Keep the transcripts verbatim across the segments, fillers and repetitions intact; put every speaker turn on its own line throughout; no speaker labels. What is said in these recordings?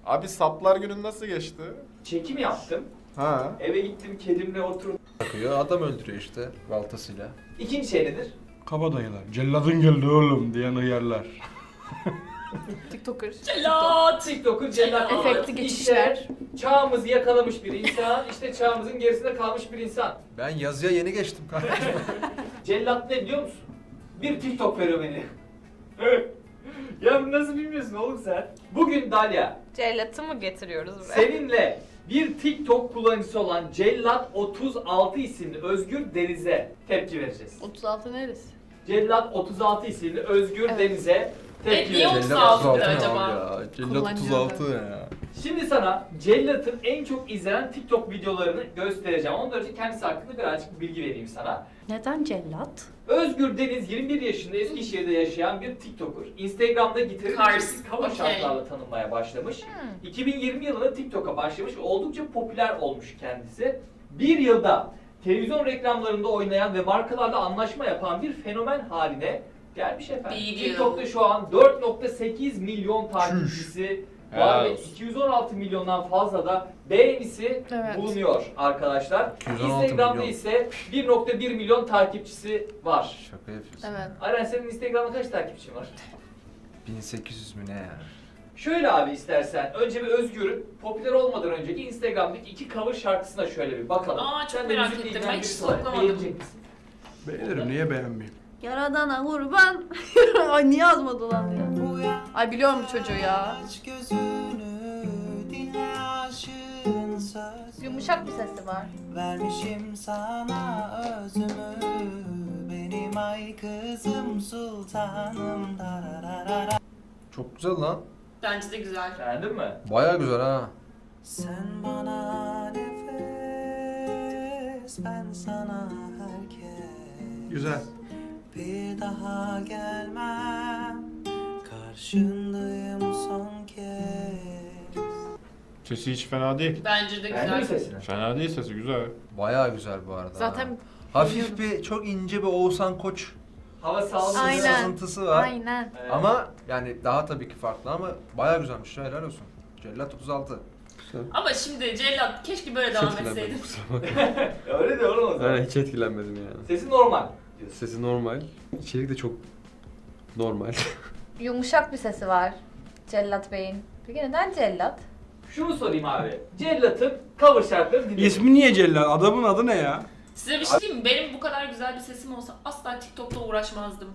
Abi saplar günün nasıl geçti?
Çekim yaptım.
Ha.
Eve gittim, kedimle oturdum.
Bakıyor, adam öldürüyor işte baltasıyla.
İkinci şey nedir?
Kabadayılar. Celladın geldi oğlum diyen hıyarlar.
TikToker.
Cellat!
TikTok'un cellat.
Efekti geçişler.
İşte çağımızı yakalamış bir insan, işte çağımızın gerisinde kalmış bir insan.
Ben yazıya yeni geçtim kardeşim.
Cellat ne biliyor musun? Bir TikTok fenomeni. Ya bunu nasıl bilmiyorsun oğlum sen? Bugün Dalia,
Cellat'ı mı getiriyoruz buraya?
seninle bir TikTok kullanıcısı olan Cellat otuz altı isimli Özgür Deniz'e tepki vereceğiz.
otuz altı neresi?
Cellat otuz altı isimli Özgür
Evet.
Deniz'e tepki
niye
vereceğiz.
otuz altı
Cellat
acaba?
ne abi ya? Cellat
Kullanıcı
otuz altı ne ya?
Şimdi sana Cellat'ın en çok izlenen TikTok videolarını göstereceğim. Ondan önce kendisi hakkında birazcık bilgi vereyim sana.
Neden cellat?
Özgür Deniz yirmi bir yaşında Eskişehir'de yaşayan bir TikToker. Instagram'da gitarı
Kars,
çeşitli cover
okey.
şarkılarla tanınmaya başlamış.
Hmm.
iki bin yirmi yılında TikTok'a başlamış ve oldukça popüler olmuş kendisi. Bir yılda televizyon reklamlarında oynayan ve markalarla anlaşma yapan bir fenomen haline gelmiş efendim.
Bir yıl.
TikTok'ta şu an dört nokta sekiz milyon takipçisi var
Helal
ve
olsun.
iki yüz on altı milyondan fazla da beğenisi
Evet.
bulunuyor arkadaşlar.
iki yüz on altı
Instagram'da
milyon.
ise bir nokta bir milyon takipçisi var.
Şaka yapıyorsun.
Evet.
Aren senin Instagram'da kaç takipçin var?
bin sekiz yüz mü ne ya?
Şöyle abi istersen önce bir Özgür'ün popüler olmadan önceki Instagram'daki iki cover şarkısına şöyle bir bakalım.
Aa, çok
Sen de
merak
müzikle
ettim.
ilgilenen
Ben hiç
birisi olarak
stalklamadım.
beğenecek misin?
Beğenirim, niye beğenmeyeyim?
Yaradana kurban. Ay niye yazmadı lan ya? Ay biliyorum bu çocuğu ya. Yumuşak bir sesi var.
Vermişim sana özümü, benim ay kızım sultanım dararara.
Çok güzel lan.
Bence de güzel.
Beğendin mi?
Baya güzel ha.
Sen bana nefes, ben sana herkes.
Güzel.
Bir daha gelmem, karşındayım son kez.
Sesi hiç fena değil.
Bence de
Beğendin mi
güzel.
sesini?
Fena değil sesi güzel.
Baya güzel bu arada.
Zaten
ha. Hafif bir, çok ince bir Oğuzhan Koç
Hava sağlıklı.
Aynen.
sızıntısı var.
aynen.
Evet.
Ama yani daha tabii ki farklı ama baya güzelmiş ya, helal olsun. Cellat otuz altı.
Ama şimdi Cellat keşke böyle devam etseydin.
Öyle de oğlum o zaman.
Ben hiç etkilenmedim yani.
Sesi normal diyorsun.
Sesi normal, içerik de çok normal.
Yumuşak bir sesi var. Cellat Bey'in. Peki neden cellat?
Şunu sorayım abi. Cellat'ın cover şarkılarını dinledin.
İsmi niye cellat? Adamın adı ne ya?
Size bir şey diyeyim mi? Benim bu kadar güzel bir sesim olsa asla TikTok'ta uğraşmazdım.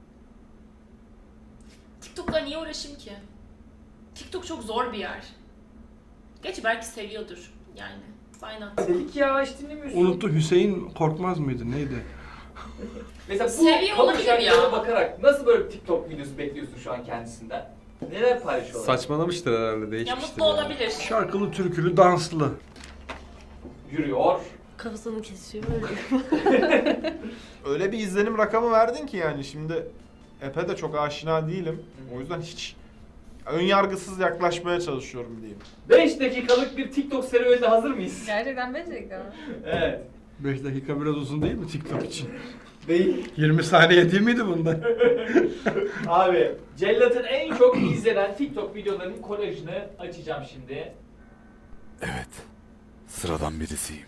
TikTok'la niye uğraşayım ki? TikTok çok zor bir yer. Gerçi belki seviyordur yani. Why not?
Dedik ya hiç dinlemiyorsun.
Unuttu, Hüseyin Korkmaz mıydı? Neydi?
Mesela bu
Seviyor
cover
olabilir
şarkılara
ya.
bakarak nasıl böyle bir TikTok videosu bekliyorsun şu an kendisinden? Neler paylaşıyorlar?
Saçmalamıştır herhalde,
Ya
değişmiştir.
mutlu olabilir.
Şarkılı, türkülü, danslı.
Yürüyor.
Kafasını kesiyor böyle.
Öyle bir izlenim rakamı verdin ki yani şimdi Epe de çok aşina değilim. O yüzden hiç ön yargısız yaklaşmaya çalışıyorum diyeyim.
beş dakikalık bir TikTok serüvenine hazır mıyız?
Gerçekten becerikli mi?
Evet.
beş dakika biraz uzun değil mi TikTok için?
Değil.
yirmi saniye değil miydi bunda?
Abi, Cellat'ın en çok izlenen TikTok videolarının kolajını açacağım şimdi.
Evet, sıradan birisiyim.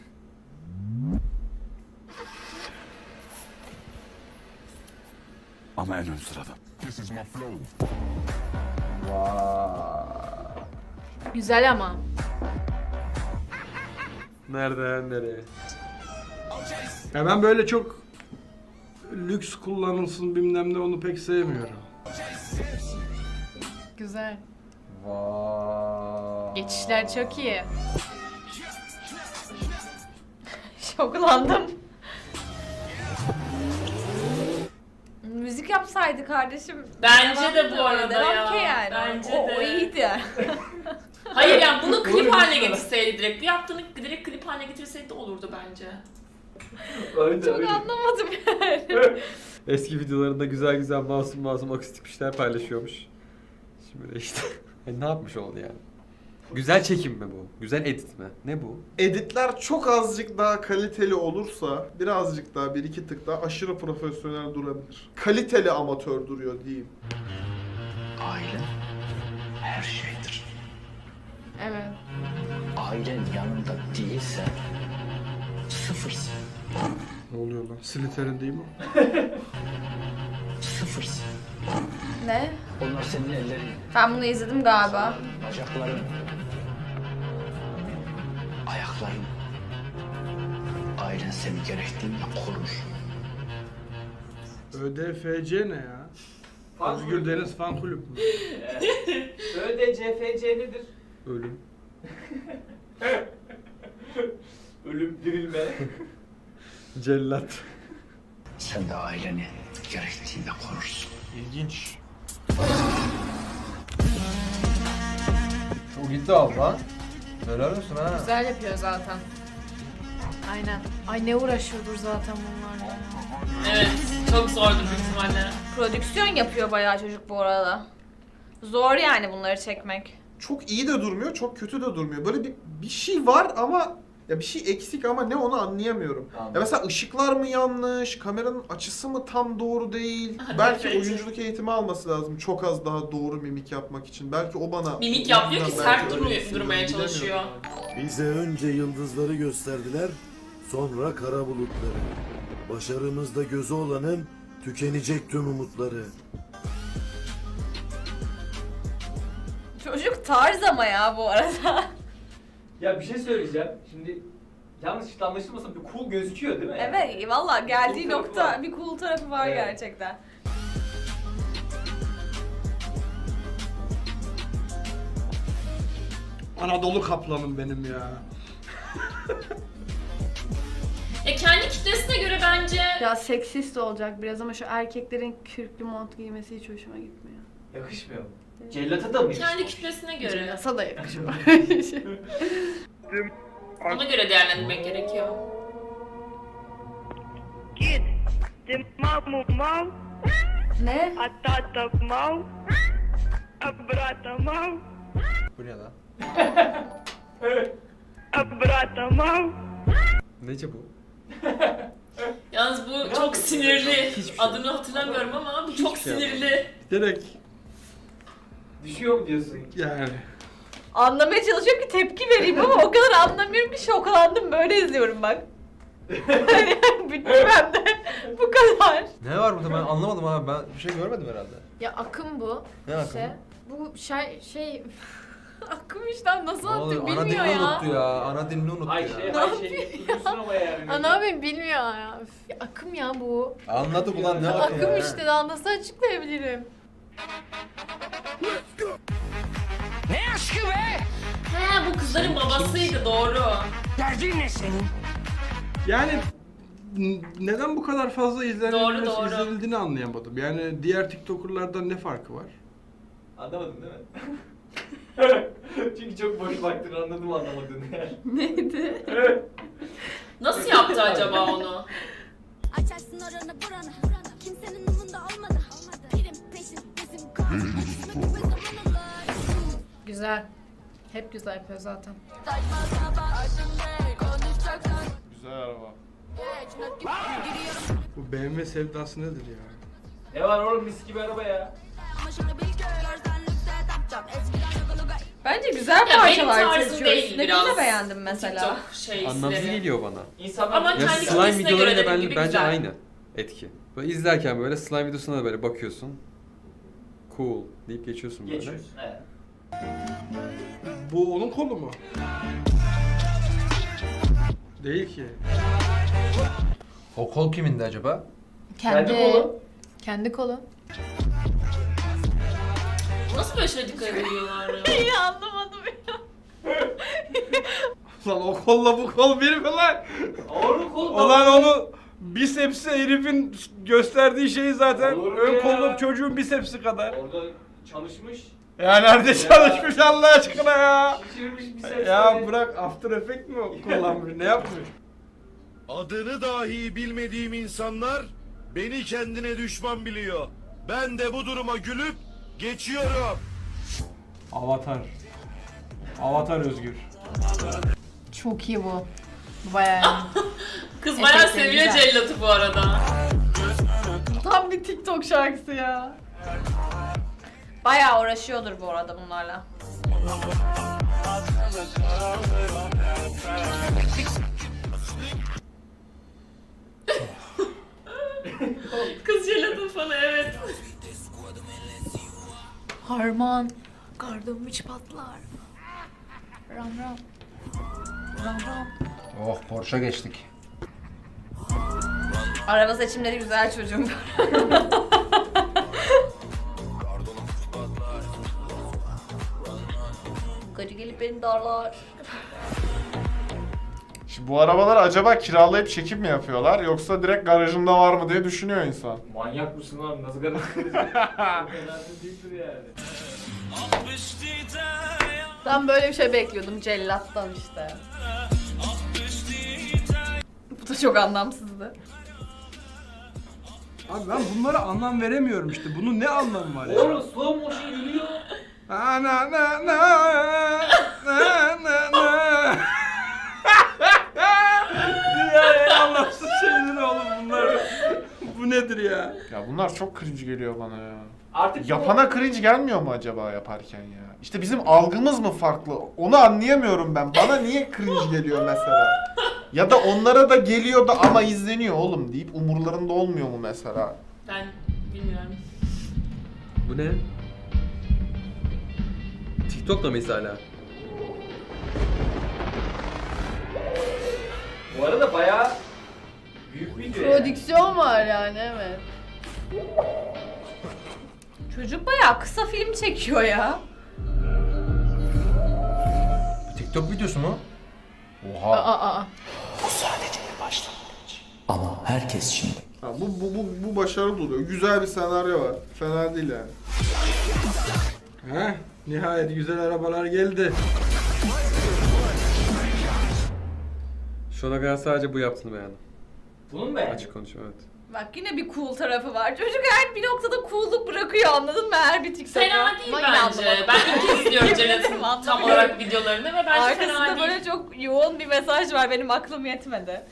Ama en ön sıradan.
Güzel ama.
Nereden nereye?
Ya ben böyle çok lüks kullanılsın bilmem ne, onu pek sevmiyorum.
Güzel.
Vay.
Geçişler çok iyi. Şoklandım. Müzik yapsaydı kardeşim.
Bence
devam
de bu
ediyor,
arada
devam
ya.
ki yani.
Bence
o,
de.
o iyiydi.
Hayır yani bunu klip
Doğru
haline
diyorsun.
getirseydi direkt. Bu yaptığını direkt klip haline getirseydi de olurdu bence.
Öyle
Çok
öyle.
anlamadım yani.
Eski videolarında güzel güzel masum masum akustik bir şeyler paylaşıyormuş. Şimdi de işte yani ne yapmış oldu yani? Güzel çekim mi bu? Güzel edit mi? Ne bu?
Editler çok azıcık daha kaliteli olursa birazcık daha bir iki tık daha aşırı profesyonel durabilir. Kaliteli amatör duruyor diyeyim.
Aile her şeydir.
ailen yanında değilse sıfırsın.
Ne oluyor lan? Slytherin değil mi?
Sıfırsın.
Ne?
Onlar senin ellerin,
Ben bunu izledim galiba.
bacakların, ayakların. Ailen seni gerektiğinde korur.
Ö D F C ne ya?
Fan
Özgür
kulübü.
Deniz Fan Kulüp mü?
Ö D C F C nedir?
Ölüm.
Ölüm, dirilme.
Cellat.
Sen de aileni gerektiğinde korursun.
İlginç.
Çok iddialı lan. Helal olsun ha.
Güzel yapıyor zaten. Aynen. Ay ne uğraşıyordur zaten bunlarla.
Evet, çok zordur büyük ihtimalle.
Prodüksiyon yapıyor bayağı çocuk bu arada. Zor yani bunları çekmek.
Çok iyi de durmuyor, çok kötü de durmuyor. Böyle bir bir şey var ama ya bir şey eksik ama ne onu anlayamıyorum.
Anladım.
Ya mesela ışıklar mı yanlış, kameranın açısı mı tam doğru değil? Belki
Evet.
oyunculuk eğitimi alması lazım çok az daha doğru mimik yapmak için. Belki o bana...
Mimik yapmıyor ki
Belki
sert
öyle
durmuyor,
hissediyorum,
durmaya
bilemiyorum.
çalışıyor.
Bize önce yıldızları gösterdiler, sonra kara bulutları. Başarımızda gözü olanın tükenecek tüm umutları.
Çocuk tarz ama ya bu arada.
Ya bir şey söyleyeceğim. Şimdi yanlış anlaşılmasın bir cool gözüküyor değil mi?
Evet valla geldiği
Cool tarafı
nokta
var.
bir cool tarafı var
Evet.
gerçekten.
Anadolu kaplanım benim ya.
E kendi kitlesine göre bence
Ya seksist olacak biraz ama şu erkeklerin kürklü mont giymesi hiç hoşuma gitmiyor.
Yakışmıyor. Cellata da mı
kendi
yakışmış?
kitlesine göre.
Yasa da yakışıyor.
Ona göre değerlendirmek gerekiyor.
Kid, de mau mau,
Ne?
atata mau, abrata mau,
Bu ne lan?
abrata mau.
Nece bu?
Yalnız bu çok sinirli. Adını hatırlamıyorum ama bu çok
şey
sinirli.
Direkt
Düşüyor mu diyorsun?
yani.
Anlamaya çalışıyorum ki tepki vereyim ama o kadar anlamıyorum ki şoklandım böyle izliyorum bak. Yani bitirmem de bu kadar.
Ne var burada ben anlamadım abi. Ben bir şey görmedim herhalde.
Ya akım bu.
Ne akımı?
İşte bu şey şey akım işte nasıl
Ne oluyor?
anlatayım
Ana
bilmiyor
dilini
ya.
unuttu ya. Ana dilini unuttu
Ay
ya.
şey,
Ne
ay
yapıyor
şey, dursun ama yani.
Ana abim bilmiyor ya. Üf, ya. Akım ya bu.
Anladık ulan ne
Ya
akımı
akım
ya?
işte daha nasıl açıklayabilirim?
Ne aşkı be?
He bu kızların babasıydı doğru.
Derdin ne senin?
Yani n- neden bu kadar fazla izlenilmesi,
Doğru, doğru.
izlenildiğini anlayamadım. Yani diğer TikToker'lardan ne farkı var?
Anlamadın değil mi? Çünkü çok boş baktın anladım anlamadığını yani.
Neydi?
Nasıl yaptı acaba onu?
Açarsın oranı buranı, kimsenin umunda olmadı. Pirim peşin bizim kan, kısmet ve zaman alır.
Güzel. Hep güzel yapıyor zaten.
Güzel araba.
Bu B M W sevdası nedir ya?
Ne var oğlum mis gibi araba ya.
Bence güzel
Ya benim
parçalar
tarzım
seçiyor.
değil
Üstündekini
biraz.
de beğendim mesela.
TikTok şey
Anlamsız
izleri.
geliyor bana.
İnsanlar
Ama
Ya
kendi
slime
kitlesine göre
videolarıyla
dediğim
ben,
gibi
bence
güzel.
aynı etki. Böyle izlerken böyle slime videosuna da böyle bakıyorsun. Cool deyip geçiyorsun böyle.
geçiyorsun. Evet.
Bu onun kolu mu? Değil ki.
O kol kimindi acaba?
Kendi kolu.
Kendi kolu.
Nasıl böyle şeye dikkat ediyorlar ya?
İyi anlamadım ya.
Lan o kolla bu kol bir mi lan?
Oğlum kolu.
Ulan onu bisepsi herifin gösterdiği şey zaten
Olur mu
ön
ya?
kolluk çocuğun bisepsi kadar.
Orada çalışmış.
Ya nerede çalışmış Allah aşkına ya?
Şişirmiş bir ses.
Ya bırak After Effect mi kullanmış ne yapmış?
Adını dahi bilmediğim insanlar beni kendine düşman biliyor. Ben de bu duruma gülüp geçiyorum.
Avatar. Avatar Özgür.
Çok iyi bu. Bu bayağı iyi.
Kız bayağı
Efektleri
seviyor
güzel.
cellatı bu arada.
Tam bir TikTok şarkısı ya. Bayağı uğraşıyordur bu arada bunlarla.
Kız jelatın fanı, evet.
Harman. Kardım hiç patlar. Ram ram. Ram ram.
Oh Porsche geçtik.
Araba seçimleri güzel çocuğum. Gacı gelip beni darlar.
Şimdi bu arabaları acaba kiralayıp çekim mi yapıyorlar yoksa direkt garajında var mı diye düşünüyor insan.
Manyak mısın abi? Nasıl garip Bu kadar değildir yani.
Ben böyle bir şey bekliyordum cellattan işte. Bu da çok anlamsızdı.
Abi ben bunlara anlam veremiyorum işte. Bunun ne anlamı var ya?
Oğlum slow motion gülüyor.
Na na na na na na na. Dünyanın en anlamsız şeyleri oğlum bunlar. Bu nedir ya?
Ya bunlar çok cringe geliyor bana ya.
Artık
Yapana cringe gelmiyor mu acaba yaparken ya? İşte bizim algımız mı farklı? Onu anlayamıyorum ben. Bana niye cringe geliyor mesela? Ya da onlara da geliyor da ama izleniyor oğlum deyip umurlarında olmuyor mu mesela?
Ben bilmiyorum.
Bu ne? TikTok'ta mıyız hala?
Bu arada bayağı büyük video yani.
Prodüksiyon var yani, evet. Çocuk bayağı kısa film çekiyor ya.
Bu TikTok videosu mu?
Aa
Oha.
aa aa.
Bu sadece bir başlangıç. Ama herkes şimdi
Ha, bu, bu, bu, bu başarılı duruyor. Güzel bir senaryo var. Fena değil yani.
Heh, nihayet güzel arabalar geldi.
Şu ana kadar sadece bu yaptığını beğendim.
Bunu mu beğendin?
Açık konuşayım, evet.
Bak yine bir cool tarafı var. Çocuk her bir noktada cool'luk bırakıyor, anladın mı? Her bir TikTok'a.
Fena değil
Ama yine
bence.
anlamadım.
Ben ilk kez izliyorum
Yemin
Celat'ın
ederim
tam
anlamıyorum.
olarak videolarını ve bence
Arkasında
fena değil.
böyle çok yoğun bir mesaj var. Benim aklım yetmedi.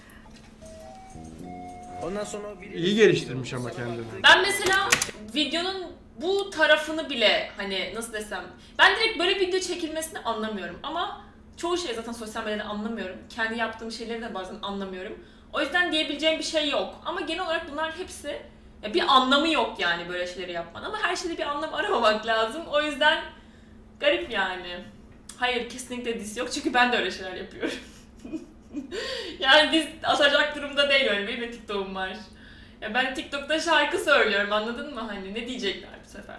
Ondan sonra biri...
İyi geliştirmiş ama kendini.
Ben mesela videonun bu tarafını bile hani nasıl desem, ben direkt böyle video çekilmesini anlamıyorum ama çoğu şey zaten sosyal medyada anlamıyorum. Kendi yaptığım şeyleri de bazen anlamıyorum. O yüzden diyebileceğim bir şey yok. Ama genel olarak bunlar hepsi ya bir anlamı yok yani böyle şeyleri yapman. Ama her şeyde bir anlam aramamak lazım. O yüzden garip yani. Hayır, kesinlikle diss yok çünkü ben de öyle şeyler yapıyorum. Yani diss atacak durumda değil, öyle benim de TikTok'um var. Ya ben TikTok'ta şarkı söylüyorum, anladın mı? Hani ne diyecekler bu sefer?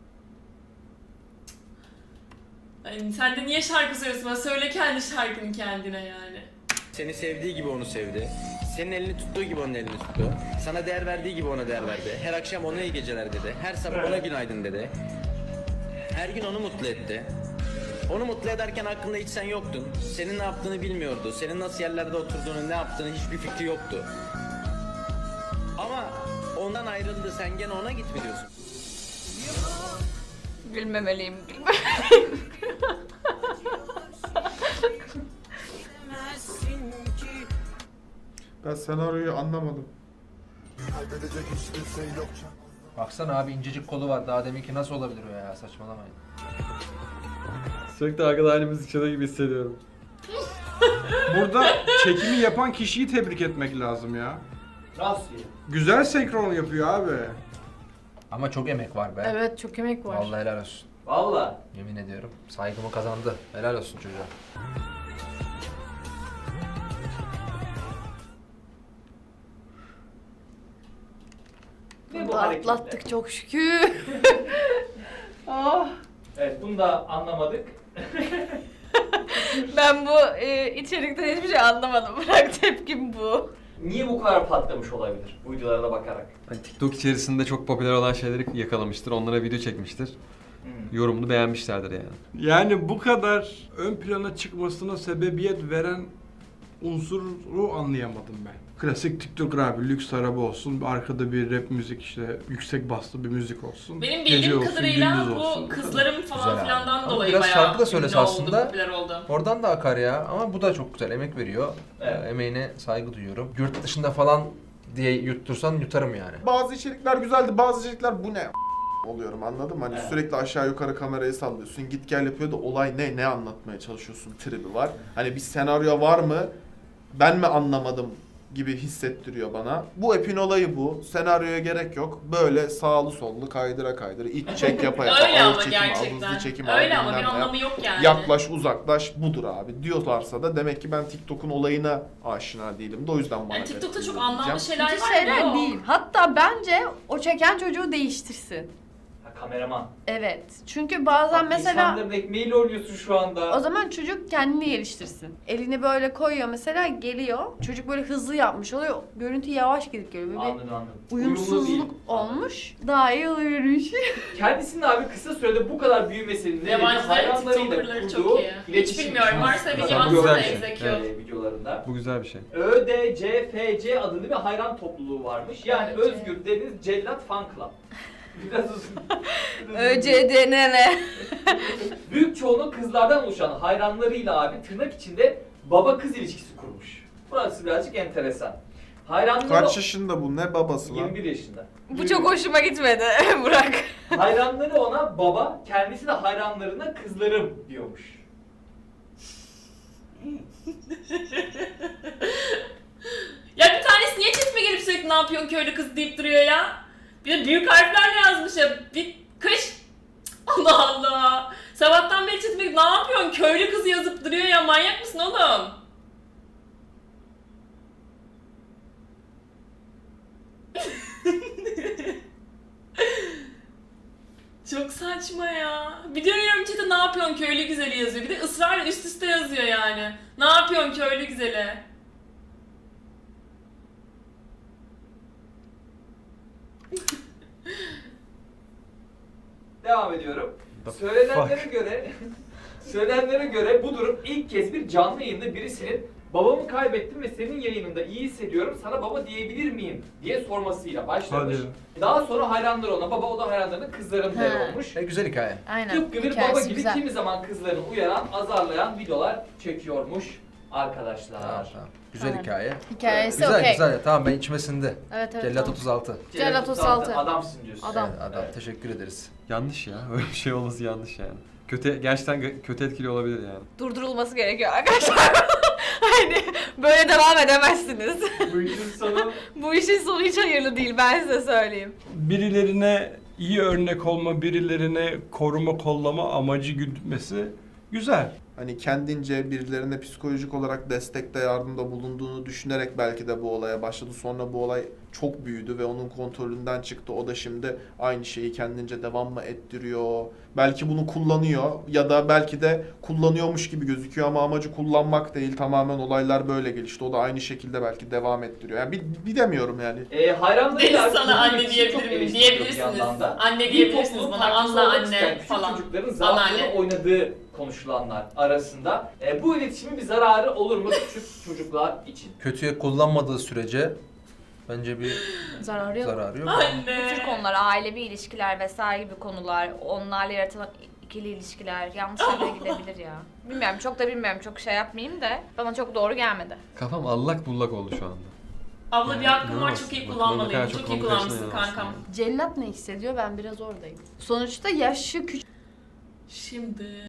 Hani sen de niye şarkı söylüyorsun? Bana söyle kendi şarkını kendine yani.
Seni sevdiği gibi onu sevdi. Senin elini tuttuğu gibi onun elini tuttu. Sana değer verdiği gibi ona değer verdi. Her akşam ona iyi geceler dedi. Her sabah ona günaydın dedi. Her gün onu mutlu etti. Onu mutlu ederken aklında hiç sen yoktun. Senin ne yaptığını bilmiyordu. Senin nasıl yerlerde oturduğunu, ne yaptığını hiçbir fikri yoktu. Ama ondan ayrıldı. Sen gene ona git mi diyorsun?
Gülmemeliyim, gülmemeliyim.
Ben senaryoyu anlamadım.
Baksana abi, incecik kolu var. Daha deminki nasıl olabilir o ya? Saçmalamayın.
Sürekli arkada aynı müzik çalıyor gibi hissediyorum.
Burada çekimi yapan kişiyi tebrik etmek lazım ya.
Nasıl ya?
Güzel senkron yapıyor abi.
Ama çok emek var be.
Evet, çok emek var.
Vallahi helal olsun.
Valla.
Yemin ediyorum. Saygımı kazandı. Helal olsun çocuğa.
Ve
Bu
bu
hareketler.
atlattık çok şükür. Oh.
Evet, bunu da anlamadık.
Ben bu e, içerikten hiçbir şey anlamadım. Bırak, tepkim bu.
Niye bu kadar patlamış olabilir bu videolara bakarak?
Hani TikTok içerisinde çok popüler olan şeyleri yakalamıştır. Onlara video çekmiştir.
Hmm.
Yorumunu beğenmişlerdir yani.
Yani bu kadar ön plana çıkmasına sebebiyet veren unsuru anlayamadım ben. Klasik TikTok abi, lüks araba olsun, arkada bir rap müzik, işte yüksek baslı bir müzik olsun.
Benim
gece
bildiğim
olsun,
kadarıyla
gündüz olsun.
bu kızların falan
Güzel
filandan
abi.
dolayı
Ama biraz şarkı
bayağı
da söylese
ünlü oldu,
aslında.
popüler oldu.
Oradan da akar ya. Ama bu da çok güzel. Emek veriyor.
Evet.
Ee, Emeğine saygı duyuyorum. Yurt dışında falan diye yuttursan yutarım yani.
Bazı içerikler güzeldi, bazı içerikler bu ne oluyorum, anladın mı? Hani
Evet.
sürekli aşağı yukarı kamerayı sallıyorsun. Git gel yapıyor da olay ne? Ne anlatmaya çalışıyorsun tribi var. Hani bir senaryo var mı? Ben mi anlamadım gibi hissettiriyor bana. Bu epin olayı bu. Senaryoya gerek yok. Böyle sağlı sollu kaydıra kaydıra iç çek yapa yapa.
Öyle
ağız
ama
çekim al,
gerçekten.
hızlı çekim al,
Öyle ama bir
bilmem ne yap.
anlamı yok yani.
Yaklaş uzaklaş budur abi diyorlarsa da demek ki ben TikTok'un olayına aşina değilim de o yüzden bana
Yani TikTok'ta
garip
çok
geliyor
anlamlı
diyeceğim.
şeyler
Kötü
var.
şeyler
Yok.
değil. Hatta bence o çeken çocuğu değiştirsin.
Ha, kameraman.
Evet. Çünkü bazen
Bak,
mesela
İnsanların ekmeğiyle oynuyorsun şu anda.
o zaman çocuk kendini geliştirsin. Elini böyle koyuyor mesela, geliyor. Çocuk böyle hızlı yapmış oluyor. Görüntü yavaş gidip geliyor. Böyle bir
Anladım anladım.
uyumsuzluk
Uyumlu değil.
olmuş. Daha iyi oluyormuş.
Kendisinin abi kısa sürede bu kadar büyümesinin nedeni
Yabancıların
hayranlarıyla
TikTok'ları
kurduğu
çok iyi. Hiç
iletişim.
bilmiyorum. Varsa bir
Mesela
yabancı
bu
da
güzel bir şey.
execute.
e, videolarında.
Bu güzel bir şey.
Ö D C F C adında bir hayran topluluğu varmış. Yani
Ö D C.
Özgür Deniz Cellat Fan Club. Biraz uzun.
Ö C D N N.
Büyük çoğunluğu kızlardan oluşan hayranlarıyla abi tırnak içinde baba kız ilişkisi kurmuş. Burası birazcık enteresan. Hayranları
Kaç yaşında bu? Ne babası lan?
yirmi bir yaşında.
Bu çok hoşuma gitmedi Burak.
Hayranları ona baba, kendisi de hayranlarına kızlarım diyormuş.
Ya bir tanesi niye chatime gelip sürekli ne yapıyorsun köylü kız deyip duruyor ya? Bir de büyük harflerle yazmış ya. Bir kış. Allah Allah. Sabahtan beri chatime gelip ne yapıyorsun köylü kızı yazıp duruyor ya. Manyak mısın oğlum? Çok saçma ya. Bir dönüyorum chat'e ne yapıyorsun köylü güzeli yazıyor. Bir de ısrarla üst üste yazıyor yani. Ne yapıyorsun köylü güzeli?
Devam ediyorum.
The
Söylenenlere
fuck?
göre söylenenlere göre bu durum ilk kez bir canlı yayında birisinin babamı kaybettim ve senin yayınında iyi hissediyorum, sana baba diyebilir miyim diye sormasıyla başlamış.
Hadi.
Daha sonra hayranları ona baba, o da hayranlarına kızlarım der
Ha.
olmuş.
E, güzel hikaye.
Aynen.
Tıpkı bir
Hikayesi
baba gibi
güzel.
kimi zaman kızlarını uyaran, azarlayan videolar çekiyormuş arkadaşlar.
Tamam, tamam. Güzel
Aynen.
hikaye.
Hikayesi
Güzel
okey.
güzel. Tamam, ben içime sindi.
Evet evet.
Cellat
tamam.
otuz altı.
Cellat otuz altı.
Adamsın diyorsun.
Adam.
Evet, adam.
Evet.
Teşekkür ederiz.
Yanlış ya. Öyle bir şey olması yanlış yani. Kötü, gerçekten gö- kötü etkili olabilir yani.
Durdurulması gerekiyor arkadaşlar. Hani böyle devam edemezsiniz.
Bu işin sonu
Bu işin sonu hiç hayırlı değil, ben size söyleyeyim.
Birilerine iyi örnek olma, birilerine koruma, kollama amacı gütmesi güzel.
Hani kendince birilerine psikolojik olarak destekte, yardımda bulunduğunu düşünerek belki de bu olaya başladı. Sonra bu olay çok büyüdü ve onun kontrolünden çıktı. O da şimdi aynı şeyi kendince devam mı ettiriyor? Belki bunu kullanıyor ya da belki de kullanıyormuş gibi gözüküyor ama amacı kullanmak değil. Tamamen olaylar böyle gelişti. O da aynı şekilde belki devam ettiriyor. Yani bir, bilemiyorum yani.
e, hayranlarıyla
Deniz sana
kurduğu
anne
iletişim çok
diyebilir miyim?
eleştiriliyor bir
Diyebilirsiniz.
yandan da.
Anne
Bir
diyebilirsiniz
toplumun
bana.
parçası
Anla
olmak isteyen
anne
küçük
falan.
çocukların zaaflarını
Anneanne.
oynadığı konuşulanlar arasında. E, bu iletişimin bir zararı olur mu küçük çocuklar için?
Kötüye kullanmadığı sürece bence bir
Zararı yok.
zararı yok.
Anne.
Bu tür konular, ailevi ilişkiler vesaire gibi konular, onlarla yaratılan ikili ilişkiler yanlış yerlere gidebilir ya. Bilmiyorum, çok da bilmiyorum, çok şey yapmayayım da bana çok doğru gelmedi.
Kafam allak bullak oldu şu anda.
Abla bir hakkım var,
İnanamazsın.
çok iyi
Bak,
kullanmalıyım.
bak,
Çok
çok
iyi
komik
kullanmışsın
yaşına
kankam.
yansın.
Cellat ne hissediyor? Ben biraz oradayım. Sonuçta yaşı küçük.
Şimdi